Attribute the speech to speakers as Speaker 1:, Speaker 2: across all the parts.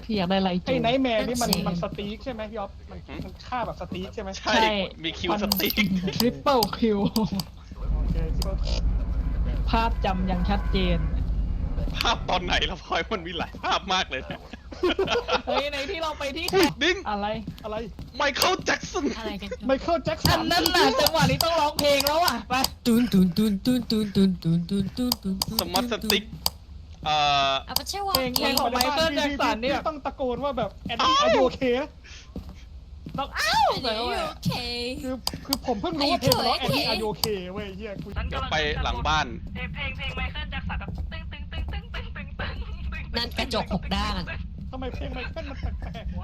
Speaker 1: พี่อยากได้ไรจู
Speaker 2: ไอ้ไนท์แมร์นี่มัน
Speaker 1: นั่นสิ
Speaker 2: มันสตีกใช่ไหมพี่อ๊อฟมันฆ่าแบบสตีกใช่ไหม
Speaker 3: ใช่มีคิวสติ๊ก
Speaker 1: ทริปเปิลคิว
Speaker 2: โอเคคิดว่า
Speaker 1: ภาพจำยังชัดเจน
Speaker 3: ภาพตอนไหนแล้วพลอยมันมีหลายภาพมากเลยนะ
Speaker 1: เฮ้ยในที่เราไปที่
Speaker 3: ดิ้ง
Speaker 1: อะไร
Speaker 2: อะไร
Speaker 3: ไมเคิลแจ็กสัน
Speaker 4: อะไรกัน
Speaker 2: ไมเคิลแจ็คสั
Speaker 1: อั
Speaker 2: น
Speaker 1: นนั้นน่ะจังหวะนี้ต้องร้องเพลงแล้วอ่ะไป
Speaker 4: ตุนตุนตุนตุนตุนตุนตุนตุนตุนตุนตุน
Speaker 3: สมาร์ทสติ๊กเอ่อ
Speaker 4: เอาไปเชื่อว่า
Speaker 1: เพลงของไมเคิลแจ็คสันเนี่ย
Speaker 2: ต้องตะโกนว่าแบบแอนดี้อายุโอเค
Speaker 1: ต้องอ้าว
Speaker 4: อัน
Speaker 1: ใส่
Speaker 4: นี้
Speaker 1: เข้าไป
Speaker 4: โอเค
Speaker 2: คือผมเพิ่งรู้ว่าเพลงมันร้องแอนดี้อายุโอเคเว้ยเฮียกู
Speaker 3: เดี๋ยวไปหลังบ้าน
Speaker 5: เพลงไมเคิลแจ็คสันแบบตึ้งตึ้งตึ้งตึ้งตึ้งตึ้งตึ้งตึ้ง
Speaker 4: นั่นกระจก6 ด้าน
Speaker 2: ทำไมเพลงไมเคิลมันแปลกๆวะ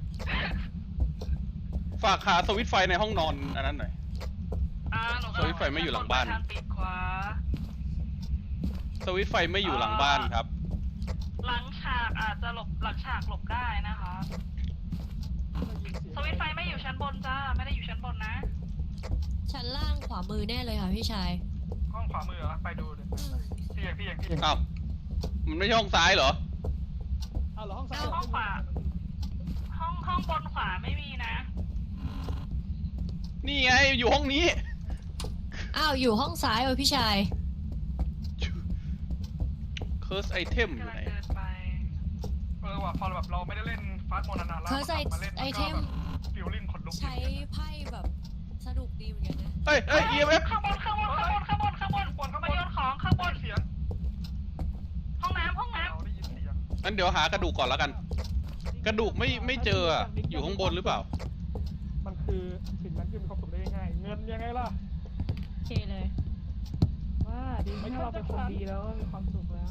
Speaker 3: ฝากหาสวิตช์ไฟในห้องนอนอันนั้นหน่อย
Speaker 5: หนู
Speaker 3: สวิตช์ไฟไม่อยู่หลังบ้าน
Speaker 5: ทางปิดขวา
Speaker 3: สวิตช์ไฟไม่อยู่หลังบ้านครับ
Speaker 5: หลังฉากอาจจะหลบหลังฉากหลบได้นะคะ สวิตช์ไฟไม่อยู่ชั้นบนจ้า ไม่ได้อยู่ชั้นบนนะ
Speaker 4: ชั้นล่างขวามือแน่เลยค่ะพี่ชาย
Speaker 5: ห้องขวามือเหรอ ไปดูเลยพี่เอก
Speaker 3: อ้าว มันไม่ใช่ห้องซ้ายเหรอ
Speaker 2: เอาเหรอห้องซ้าย
Speaker 5: ห้องขวา ห้องบนขวาไม่มีนะ
Speaker 3: นี่ไงอยู่ห้องนี้
Speaker 4: อ้าวอยู่ห้องซ้ายเลยพี่ชาย
Speaker 3: เคิร์สไอเทมอยู่ไหน
Speaker 5: กำลังเดินไป
Speaker 6: ว่ะพอแบบเราไม่ได้เล่นฟาสต์โมนานาแล้ว
Speaker 4: เคิร์ส
Speaker 6: มาเล่น
Speaker 4: ไอเทม
Speaker 6: ฟิลลิ่งขนลุก
Speaker 4: ใช้ไพ่แบบสนุกดีเหมือนกันนะ
Speaker 3: เฮ้ย EMF
Speaker 5: ข้างบนมาโยนของข้างบน
Speaker 6: เสียง
Speaker 5: ห้องน้ำ
Speaker 6: เราได้ยินเสียง
Speaker 3: งั้นเดี๋ยวหากระดูกก่อนแล้วกัน กระดูกไม่เจออะอยู่ข้างบนหรือเปล่า
Speaker 2: มันคือสิ่งนั้นคือมีความสุขได้ง่ายๆเงินยังไงล่ะ
Speaker 1: โอเคเลยว่าดีถ้าเราเป็นคนดีแล้วมีความสุขแล้ว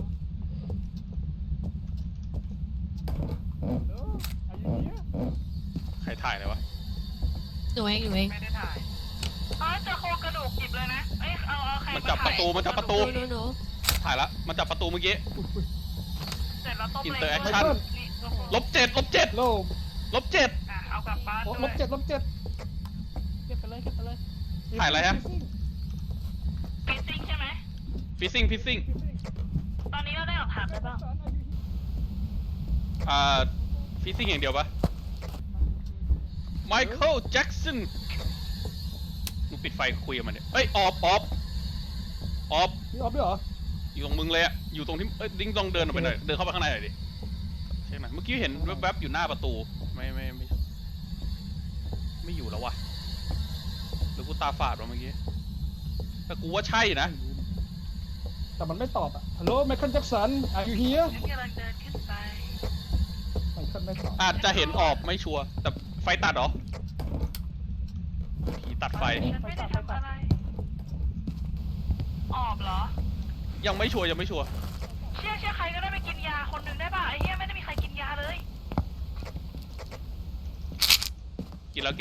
Speaker 2: อายุเนี้ย
Speaker 3: ใครถ่ายเลยวะ
Speaker 4: หนูเอง
Speaker 5: ไม่ได้ถ่ายเจอโครงกระดูกหยิบเลยนะ เอ้ยเอาใคร
Speaker 3: มันจับประตูมันจับประตู
Speaker 4: หนู
Speaker 3: ถ่ายละ มันจับประตูเมื่อกี้
Speaker 5: เสร็จแล้วต้มเลย
Speaker 3: Interaction ลบ 7
Speaker 2: โลม
Speaker 5: เอากลับบ้าน
Speaker 2: ลบ
Speaker 5: ด้วย
Speaker 2: เจ็ดลบเจ็ด
Speaker 1: เก็บไปเลยเก็บไปเลย
Speaker 3: ถ่ายอะไรฮะ
Speaker 5: ฟิซซิ่งใช่ไหม
Speaker 3: ฟิซซิ่ง
Speaker 5: ตอนนี้เราได้หลักฐานแล้วเปล่า
Speaker 3: ฟิซซิ่งอย่างเดียวปะไมเคิลแจ็กสันมึงปิดไฟคุยกับมันเนี่ยเฮ้ยออฟ
Speaker 2: พี่ออฟด้วยเหรอ
Speaker 3: อยู่ตรงมึงเลยอะอยู่ตรงที่ดิ้งลองเดินออกไปหน่อย เดินเข้าไปข้างในหน่อยดิเช็คหน่อยเมื่อกี้เห็นแวบๆอยู่หน้าประตู ไม่อยู่แล้ววะหรือกูตาฝาดวะเมื่อกี้ แต่กูว่าใช่นะ
Speaker 2: แต่มันไม่ตอบอ่ะฮัลโหลไมเคิลแจ็คสันอายุเฮีย
Speaker 5: ฉันกำลังเดินขึ้นไป
Speaker 2: ไมเคิลไม่ตอบ
Speaker 3: อาจจะเห็นออกไม่ชัวร์แต่ไฟตัดเหรอผีตัดไฟ
Speaker 5: ฉันไม่ได้ทำอะไร ออบเหรอ
Speaker 3: ยังไม่ชัวร์
Speaker 5: เชื่อใครก็ได้ไปกินยาคนหนึ่งได้ป่ะไอ้เหี้ยไม่ได้มีใครกินยาเลย
Speaker 3: กินแล้ว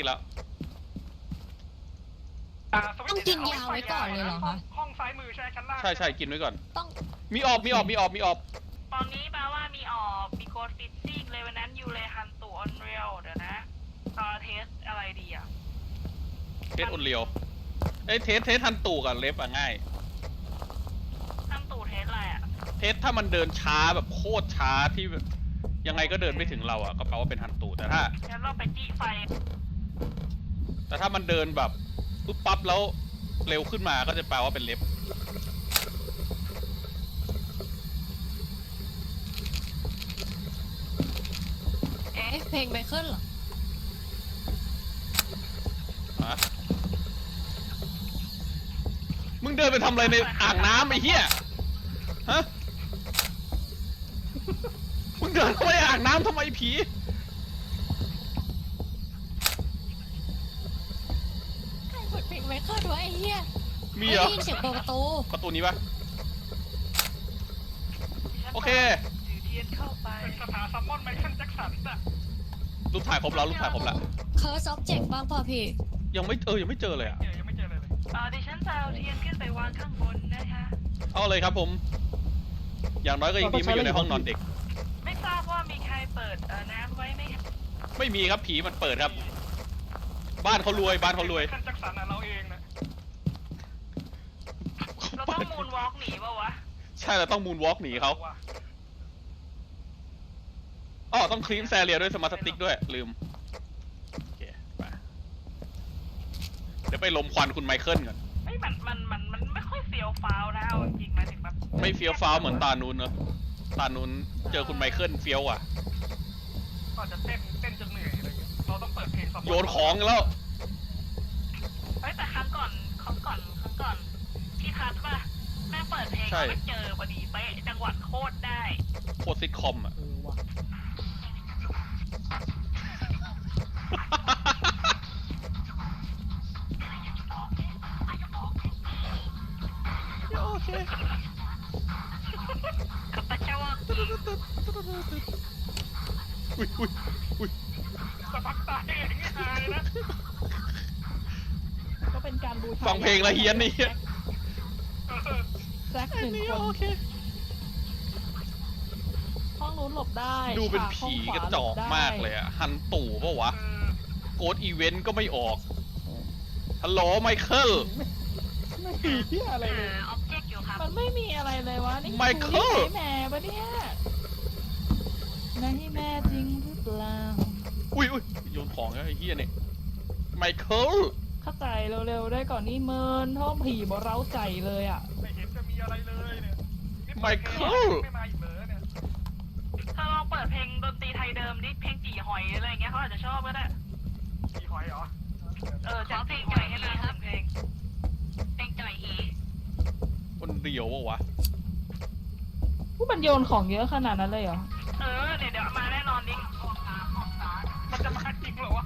Speaker 4: ต้องกินยาไว้ก่อนเลยเหรอคะ
Speaker 6: ห้องซ้ายมือใช่ชั้นล่าง
Speaker 3: ใช่ กินไว้ก่อน
Speaker 4: ต้อง
Speaker 3: มีออก
Speaker 5: ตอนนี้แปลว่ามีออบมีโกดฟิตซิ่งเลยวันนั้นยูเลฮันตูออนเรียลเดี๋ยวนะเทสอะไรดีอ่ะ
Speaker 3: เทสอุ่นเรียวเทสทันตู่กับเล็บอะง่าย
Speaker 5: ฮันตูเทสอะไรอ่ะ
Speaker 3: เทสถ้ามันเดินช้าแบบโคตรช้าที่แบบยังไงก็เดินไม่ถึงเราอะก็แปลว่าเป็นฮันตู่แต่ถ้า
Speaker 5: งั้นเราไปจี้ไฟ
Speaker 3: มันเดินแบบปุ๊บปั๊บแล้วเร็วขึ้นมาก็จะแปลว่าเป็นเล็บ
Speaker 4: เอ๊ะเพลงไมเคิลเหรอ
Speaker 3: ฮะมึงเดินไปทำอะไรในอ่างน้ำไอ้เหี้ยฮะมึงเดินเข้าไปอ่างน้ำทำไมผี
Speaker 4: ใครเปิดเพลงไมเคิลด้วยไอ้เหี้ย
Speaker 3: มีเหรอ
Speaker 4: ได้ยินเสียงเปิดประตู
Speaker 3: ประตูนี้ปะโอเค
Speaker 5: ถือเทียนเข้าไป
Speaker 6: เป็นสถานซัมมอนไมเคิลแจ็คสันน่ะ
Speaker 3: รูปถ่ายครบแล้ว
Speaker 4: เคิร์สออบเจกต์บ้างป่ะพี่
Speaker 3: ยังไม่เจอเลยอะ
Speaker 6: ยังไม่เจอเลย
Speaker 5: ดิฉันจะเอาเทียนขึ้นไปวางข้างบนนะคะ
Speaker 3: เอาเลยครับผม อย่างน้อยก็ยังดีไม่อยู่ในห้องนอนเด็ก
Speaker 5: ไม่ทราบว่ามีใครเปิดน้ำไว้ไหม
Speaker 3: ไม่มีครับผีมันเปิดครับ บ้านเขารวย
Speaker 6: ไมเคิลแจ็คสันน่ะเราเองนะ
Speaker 5: เราต้องมูนวอล์กหนีป่าวะ
Speaker 3: ใช่เราต้องมูนวอล์กหนีเขา
Speaker 6: ว่ะ
Speaker 3: อ๋อต้องคลีนแซเรียด้วยสมาร์ทสติ๊กด้วยลืมโอเคไปเดี๋ยวไปลมควันคุณไมเคิลก่อน
Speaker 5: ไม่มันไม่ค่อยเฟียวฟ้าวนะเอาจริงๆหมายถึงแบบ
Speaker 3: ไม่เฟี้ยวฟ้าวเหมือนตานูนเนอะตานูนเจอคุณไมเคิลเฟี้ยวอ่ะ
Speaker 6: ก็อาจจะเต้นจนเหนื่อยอะไรเงี้ยเราต้องเปิดเพลงซัพพอร์ต
Speaker 3: โยนของแล้ว
Speaker 5: เฮ้ยแต่ครั้งก่อนที่คัดป่ะแม่งเปิดเพลงแล้วมันเจอพอดีเป๊ะจังหวัดโคตรได้
Speaker 3: โคตรซิทคอมอ่ะ
Speaker 2: ว่ะ
Speaker 3: โอเค
Speaker 5: กับปะเจ้าว่า
Speaker 3: อุ้ย
Speaker 6: สะพักตายอย่างเงี้ยหายนะ
Speaker 1: ก็เป็นการบูชา
Speaker 3: ฟังเพลงละเฮียนนี่
Speaker 1: แซกหนึ่งคนห้องนู้นหลบได้
Speaker 3: ดูเป็น
Speaker 1: ฉา
Speaker 3: ผี
Speaker 1: ห้งขว
Speaker 3: กระจอก
Speaker 1: หลบได้
Speaker 3: มากเลยอ่ะ ฮันตู่ปะวะ โกดอีเวนต์ก็ไม่ออก ฮัลโหลไมเคิล
Speaker 2: ไม่มีเหี้ยอะไรเลย
Speaker 5: ออบเจกต์อยู่ครับ
Speaker 1: มันไม่มีอะไรเลยวะนี่
Speaker 3: ไมเคิล
Speaker 1: ดูนี่แม่ปะเนี่ยนายแม่จริงหรือเปล่า
Speaker 3: อุ้ยโยนของแล้วไอ้เฮียเนี่ยไมเคิล
Speaker 1: เข้าใจเร็วๆได้ก่อนนี่เมินท้องผีบ่เร้าใจเลยอ่ะ
Speaker 6: ไม่เห็นจะมีอะไรเลยเนี่ยนี่
Speaker 3: ไม
Speaker 6: เปิด
Speaker 3: เคิ
Speaker 6: เพลง
Speaker 3: ล
Speaker 6: ไม่มาอีกเลยเนี่ย
Speaker 5: ถ้าลองเปิดเพลงดนตรีไทยเดิมดิเพลงจีหอยอะไรอย่างเงี้ยเขาอาจจะชอบก็ได้
Speaker 6: มีหอยเหรอ
Speaker 5: จากเพลงจ่อยให้เลยครับเพลงจ่อยอี
Speaker 3: คนเดียวปะวะ
Speaker 1: ผู้มันโยนของเยอะขนาดนั้นเลยเหรอ
Speaker 5: เดี๋ยวมาแน่นอนดิ
Speaker 6: มันจะมาจริงเหรอวะ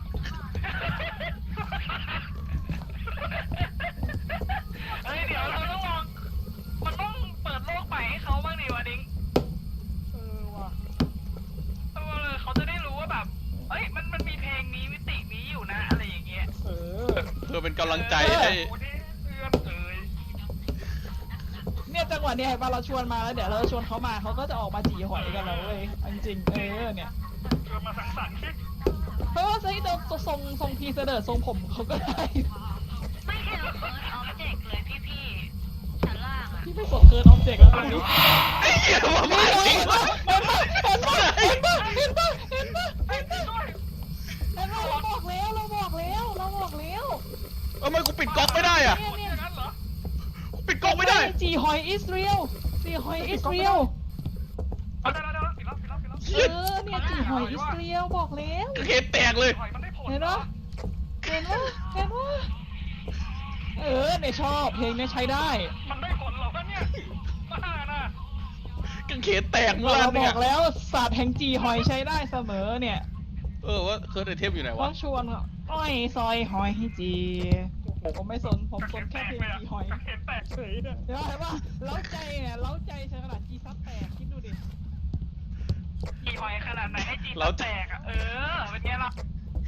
Speaker 5: เดี๋ยวเราต้องลองมันต้องเปิดโลกใหม่ให้เขาบ้างดิวะดิ้ง
Speaker 2: ว่ะ
Speaker 5: เขาจะได้รู้ว่าแบบมันมีเพลงนี้มิตินี้อยู่นะอะไรอย่างเงี้ย
Speaker 3: เพื่อเป็นกำลังใจให้
Speaker 6: โอ้นี่เอื้อนเอ่ย
Speaker 1: เนี่ยจังหวะเนี้ยเห็นปะเราชวนมาแล้วเดี๋ยวเราชวนเขามาเขาก็จะออกมาจีหอยกันแล้วเว้ยเอาจริงๆเนี่ย
Speaker 6: ชวนมาสังสรรค์สิ
Speaker 1: เพราะว่าใช้เดิมทรงพีเสดอทรงผมเขาก็ได้
Speaker 5: ไม่เห็นเฟิร์สออบเจกต์เลยพี่ชั้นล่างอะ
Speaker 1: ที่ไม่สนเกินออบเจกต์แล้วดู
Speaker 3: ไอ้เหี้ยมาจริงวะ
Speaker 1: เห็นปะเราบอกแล้ว
Speaker 3: ทำไมกูปิดก๊อกไม่ได้อ่ะ
Speaker 6: คนอย่างนั้นเหรอ
Speaker 3: กูปิดก๊อกไม่ได้
Speaker 1: จีหอยอิสเรียลจีหอยอิสเรียล
Speaker 6: เอาได้ปิดแล้ว
Speaker 1: เนี่ยจีหอยอิสเรียลบอกแล้ว
Speaker 3: เคสแตกเลย
Speaker 6: หอยมันได้ผล
Speaker 1: เห็นปะเนี่ยชอบเพลงเนี่ยใช้ได้
Speaker 6: มันได้ผลเหรอวะเนี่ยบ้าน่ะ
Speaker 3: กังเขนแตกเมื่อ
Speaker 1: เรา
Speaker 3: ไหร่
Speaker 1: บ
Speaker 3: เนี่
Speaker 1: อย กแล้วศาสตร์แห่งจีหอยใช้ได้เสมอเนี่ย
Speaker 3: ว่าเคิร์ดไอเทมอยู่ไหน
Speaker 1: ต้
Speaker 3: วะ
Speaker 1: องชวนอ้อยซอยหอยให้จีผมไม่สนผมสนแค่เพลงจีหอย
Speaker 6: เห็นแตกเฉยเนี่ย
Speaker 1: เห็นปะเล้าใจเนี่ยเล้าใจใช้ขนาดจีซับแตกคิดดูดิ
Speaker 5: จีหอยขนาดไหนให้จีแตกอะเป็นไงล่ะ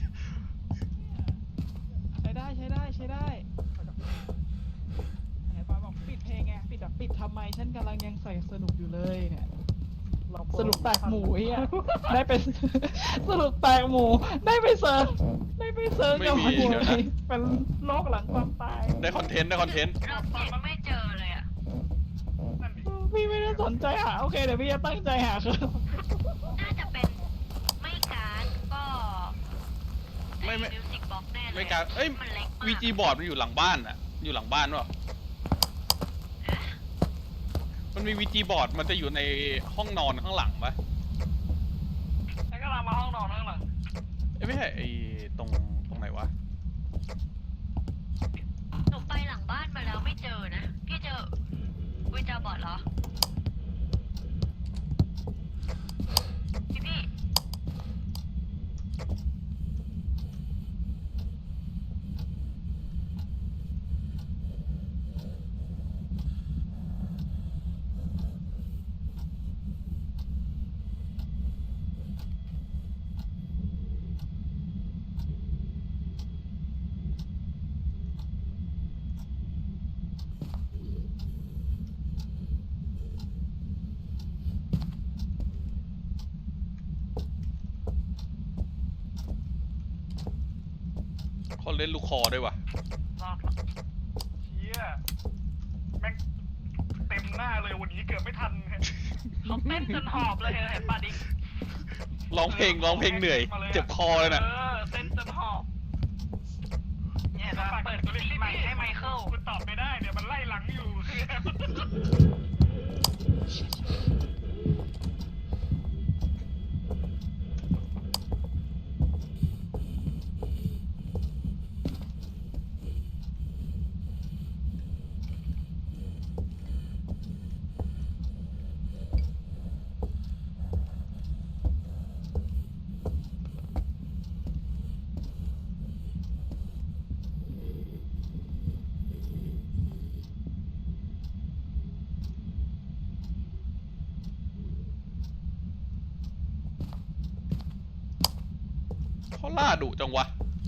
Speaker 1: ใช้ได้เห็นปะบอกปิดเพลงไงปิดทำไมฉันกำลังยังใส่สนุกอยู่เลยเนี่ยสรุปแตกหมูเฮียได้เป็นสรุปแตกหมูได้ไปเซิร์ฟกับหมูเลยเป็นโรคหลังความตาย
Speaker 3: ได้คอนเทนต์
Speaker 5: เราเจ็กไม่เจอเลยอะ
Speaker 6: นั่นดิ
Speaker 1: พี่ไม่ได้สนใจหาโอเคเดี๋ยวพี่จะตั้งใจหาคือ
Speaker 5: น่าจะเป็นไม่การก็
Speaker 3: ไม่
Speaker 5: มิวสิกบ็อกแน่เลย
Speaker 3: ไม่การเอ้ย
Speaker 5: มันเล็กมาก
Speaker 3: วีจีบอร์ดมันอยู่หลังบ้านอ่ะ อยู่หลังบ้านวะมันมีวีจีบอร์ดมันจะอยู่ในห้องนอนข้างหลังปะ
Speaker 5: ฉันก็ลามาห้องนอนข้างหลัง
Speaker 3: ไม่ใช่ไอ้ตรงไหนวะ
Speaker 5: หนูไปหลังบ้านมาแล้วไม่เจอนะ พี่เจอวิจาบอร์ดเหรอ พี่
Speaker 3: เขาเล่นลูกคอด้วยวะ
Speaker 5: รอด
Speaker 6: เชี่ยแม่งเต็มหน้าเลยวันนี้เกือบไม่ทัน
Speaker 5: เขาเต้นจนหอบเลยเห็นป่ะดิ
Speaker 3: ร้องเพลงเหนื่อย เจ็บคอเลยน่ะ
Speaker 5: เต้นจนหอบเนี่ยจะเปิดมิติใหม่ให้ไมเคิล
Speaker 6: คุณตอบไม่ได้เดี๋ยวมันไล่หลังอยู่
Speaker 3: เขาล่าดุจังวะ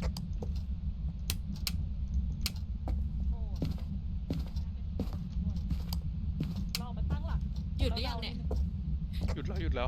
Speaker 1: เราไปตั้งหลัก
Speaker 4: หยุดหรือยังเนี่ย
Speaker 3: หยุดแล้ว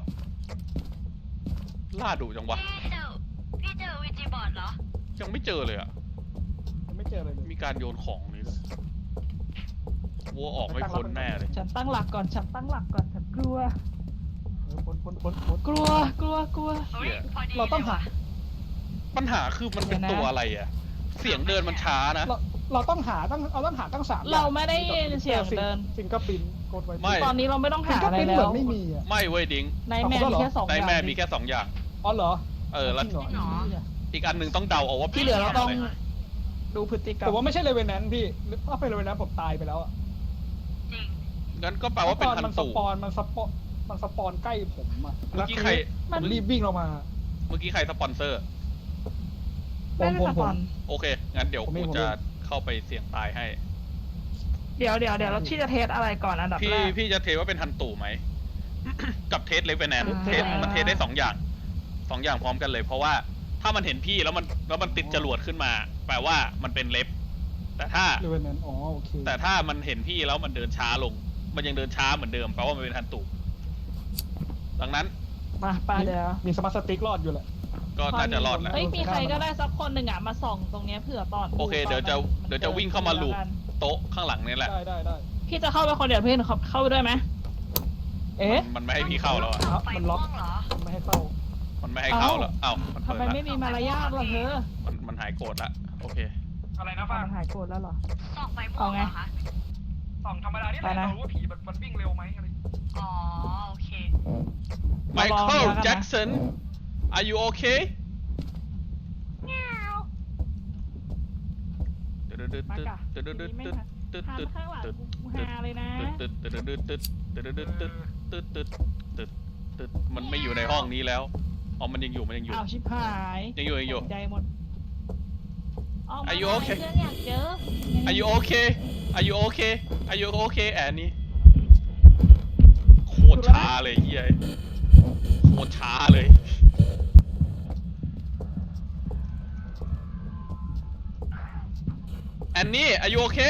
Speaker 3: ล่าดุจังวะ
Speaker 4: พี่เจอวิจิบอร์ดเหรอ
Speaker 3: ยังไม่เจอเลยอ่ะ
Speaker 2: ยังไม่เจออะไรเลย
Speaker 3: มีการโยนของนี่เลยวัวออกไม่พ้นแน่เลย
Speaker 1: ฉันตั้งหลักก่อนฉันกลัว
Speaker 2: พ้น
Speaker 1: กลัว
Speaker 5: เฮ้ยพอดี
Speaker 2: เราต้องหา
Speaker 3: ปัญหาคือมันเป็นตัวอะไรอ่ะ เสียงเดินมันช้านะ
Speaker 2: เราต้องหาตั้งสาม
Speaker 1: เราไม่ได้ยินเสียงเดิน
Speaker 2: ฟิงเกอร์ปินกดไว้
Speaker 3: ไม่
Speaker 1: ตอนนี้เราไม่ต้อง
Speaker 2: ฟิง
Speaker 1: หา
Speaker 2: เกอร์
Speaker 1: อะไร
Speaker 2: ปิน
Speaker 1: แล้
Speaker 2: เหมือ
Speaker 1: วน
Speaker 2: ไม่มีอ่ะ
Speaker 3: ไม่เว้ยดิง
Speaker 1: ในแม่มีแค่2
Speaker 3: ใน
Speaker 1: อย่าง
Speaker 3: แม่มีแค่2 อย่าง
Speaker 2: อ๋อเหรอ
Speaker 3: แล้ว
Speaker 2: จริงเหรอ
Speaker 3: อีกอันหนึ่งต้องเดาเอาว่า
Speaker 1: ที่เหลือเราต้อง
Speaker 3: ะไ
Speaker 1: ดูพฤติกรร
Speaker 2: ผม มว่าไม่ใช่เลเวนแนนพี่ถ้าเป็นเลเวนแนนผมตายไปแล้วอ่ะ
Speaker 5: จริง
Speaker 3: งั้นก็แปลว่าเป็นฮัน
Speaker 2: มันส
Speaker 3: ตู
Speaker 2: ปอนใกล้ผมอ่ะ
Speaker 3: เมื่อกี้ใคร
Speaker 2: ผมรีบวิ่งลงมา
Speaker 3: เมื่อกี้ใครสปอนเซอร์
Speaker 1: ไม่ได้สปอน
Speaker 3: โอเค งั้นเดี๋ยว
Speaker 2: ผม
Speaker 3: กู
Speaker 2: เอง
Speaker 3: จะเข้าไปเสี่ยงตายให้
Speaker 1: เดี๋ยวเราที่จะเทสอะไรก่อนอันดับแรก
Speaker 3: พี่จะเทว่าเป็นฮันตูไหม กับเทสเลเวนแนน
Speaker 1: อ่า
Speaker 3: เทสมันเทสได้2 อย่าง2 อย่างพร้อมกันเลย เพราะว่าถ้ามันเห็นพี่แล้วมันติดจรวดขึ้นมา แปลว่ามันเป็นเล็บ แต่ถ้า
Speaker 2: เลเวนแนนอ๋อโอเค
Speaker 3: แต่ถ้ามันเห็นพี่แล้วมันเดินช้าลง มันยังเดินช้าเหมือนเดิมแปลว่ามันเป็นฮันตูดังนั้น
Speaker 1: มาเดี๋ยว
Speaker 2: มีสมาร์ทสติ๊กรอดอยู่แหละ
Speaker 3: ก็น่าจะรอดแหละ
Speaker 1: เฮ้ยมีใครก็ได้สักคนหนึ่งอ่ะมาส่องตรงเนี้ยเผื่อตอน
Speaker 3: โอเคเดี๋ยวจะวิ่งเข้ามาลูบโต๊ะข้างหลังนี่แหละ
Speaker 2: ได้
Speaker 1: พี่จะเข้าไปคนเดียวพี่เข้าไปด้วยไหมเอ๊ะ
Speaker 3: มันไม่ให้พี่เข้าแล้วอะ
Speaker 2: ครับ
Speaker 5: ไฟ
Speaker 2: มัน
Speaker 5: ม่
Speaker 2: ล็
Speaker 5: ว
Speaker 2: อก
Speaker 5: งเหรอ
Speaker 2: ไม่ให้เข้า
Speaker 3: มันไม่ให้เข้าแล้วเอ้ามัน
Speaker 1: ทำ
Speaker 3: เปิด
Speaker 1: ไม
Speaker 3: ละ
Speaker 1: ไม่มีมารยาทล่ะเธอ
Speaker 3: มันหายโกรธละโอเค
Speaker 6: อะไรนะฟ้า
Speaker 1: มันหายโกรธแล้วเหรอ
Speaker 5: ส่องไฟม่วงเหรอคะ
Speaker 6: ส่องธรรมดานี่แห
Speaker 1: ไป
Speaker 6: ละ
Speaker 1: นะ
Speaker 6: เรารู้ว่าผีมันวิ่งเร็วไหมอะไร
Speaker 5: อ๋อโอเค
Speaker 1: มาลอง
Speaker 3: Michael
Speaker 1: แล้วกันนะ
Speaker 3: Jackson are you okay
Speaker 1: มากะทีนี้ไม่ทันทางข้างหลังกูฮาเลยนะ
Speaker 3: มันไม่อยู่ในห้องนี้แล้วอ๋อมันยังอยู่
Speaker 1: อ้าวชิบหาย
Speaker 3: ยังอยู่
Speaker 1: ตกใจหมดออกมา
Speaker 3: Are you
Speaker 1: หน่
Speaker 3: okay?
Speaker 1: เพื่อนอยากเจอ
Speaker 3: Are you okay Are you okay Are you okay แอนนี่โคตรช้าเลยเฮียโคตรช้าเลย แอนนี่ Are you okay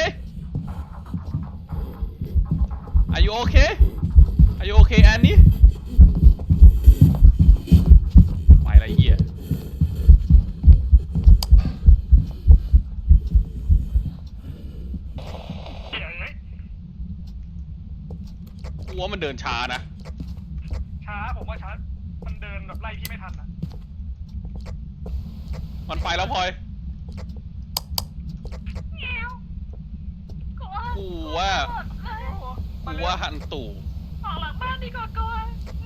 Speaker 3: Are you okay Are you okay แอนนี่ไปละเหี้ย
Speaker 6: เดี๋ยวเอ้ย
Speaker 3: กูว่ามันเดินช้านะ
Speaker 6: ช้าผมว่าช้ามันเดินแบบไล่พี่ไม่ทันนะ
Speaker 3: มันไปแล้วพลอย กูว่าฮันตู่
Speaker 5: ออกหลังบ้านดีกว่ากลัว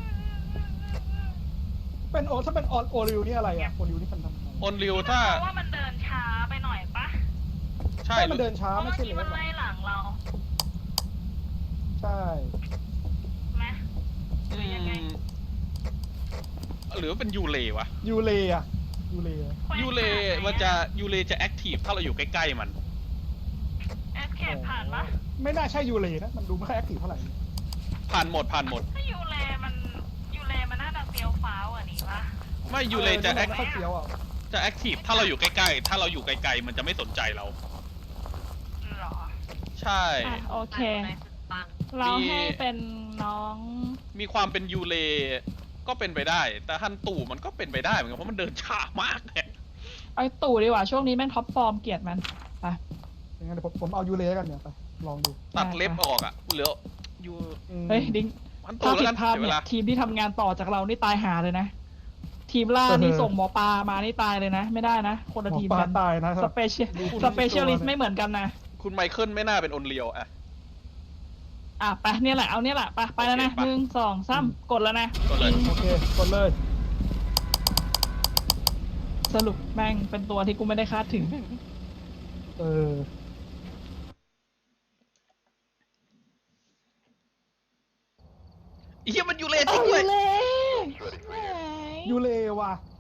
Speaker 2: ถ้าเป็นโอริวนี่อะไรอ่ะโอริวนี่มันทำไง
Speaker 3: ออนริวถ้า
Speaker 5: เพราะว่ามันเดินช้าไปหน่อยปะ
Speaker 3: ใช่
Speaker 2: ใช่มันเดินช้า
Speaker 5: เพราะ
Speaker 2: ไม่
Speaker 5: เมื่อ
Speaker 2: ใช่
Speaker 5: กี้
Speaker 2: เล
Speaker 5: มัน
Speaker 2: ย
Speaker 5: ไล่หลังเรา
Speaker 2: ใช่
Speaker 5: ไหม
Speaker 3: อืมหรือว่าเป็นยูเลวะ
Speaker 2: ยูเลอะยูเลอะ
Speaker 3: ยูเลยูเลจะแอคทีฟถ้าเราอยู่ใกล้ๆมัน
Speaker 5: เอสเคปผ่านปะ
Speaker 2: ไม่น่าใช่ยูเลนะมันดูไม่ค่อยแอคทีฟเท่าไหร่
Speaker 3: ผ่านหมด
Speaker 5: ถ้ายูเลมันน่าจะเฟี้ยวฟ้าวอ่ะนี่ปะ
Speaker 3: ไม่ยูเลจะแอค
Speaker 2: ไม่ค่อยเฟี้ยวอ่ะ
Speaker 3: ทีฟถ้าเราอยู่ใกล้ๆถ้าเราอยู่ไกลๆมันจะไม่สนใจเรา
Speaker 5: หรอ
Speaker 3: ใช่
Speaker 1: อ่ะโอเค
Speaker 5: ไหนสุดปัง
Speaker 1: เราให้เป็นน้อง
Speaker 3: มีความเป็นยูเลก็เป็นไปได้ แต่ฮันตู่มันก็เป็นไปได้เหมือนกันเพราะมันเดินช้ามากเนี่ย
Speaker 1: ไอ้ตู่ดีกว่าช่วงนี้แม่งท็อปฟอร์มเกลียดมันไป
Speaker 2: อย่างงั้นเดี๋ยวผมเอายูเลกันเนี่ยไปลองดู
Speaker 3: ตัดเล็บออกอ่ะเหลือยู
Speaker 1: เฮ้ยดิ้ง
Speaker 3: ฮัน
Speaker 1: ถ้า
Speaker 3: ตู่แล้ว
Speaker 1: ผิ
Speaker 3: กั
Speaker 1: ด
Speaker 3: น
Speaker 1: พลาด
Speaker 3: เดี๋ยวเว
Speaker 1: เนี่ย
Speaker 3: ลา
Speaker 1: ทีมที่ทำงานต่อจากเรานี่ตายหาเลยนะทีมล่านี่ส่งหมอปลามานี่ตายเลยนะ ไม่ได้นะ คนละ
Speaker 2: หมอ
Speaker 1: ทีม
Speaker 2: ปลา
Speaker 1: กัน
Speaker 2: ตายนะค
Speaker 1: ส
Speaker 2: รับ
Speaker 1: เปเชียลสเปเชียลิสต์ไม่เหมือนกันนะ
Speaker 3: คุณไมเคิลไม่น่าเป็นอนเรียวอะ
Speaker 1: อ่ะไปเนี่ยแหละเอาเนี่ยแหละไปแล้วนะ
Speaker 3: โอเคไป
Speaker 1: 1 2 3กดแล้วนะ
Speaker 3: กดเลย
Speaker 2: โอเคกดเลย
Speaker 1: สรุปแม่งเป็นตัวที่กูไม่ได้คาดถึง
Speaker 2: เออ
Speaker 3: เฮียมันอยู่เลนจริงด้วย
Speaker 2: ยูเลว่ะ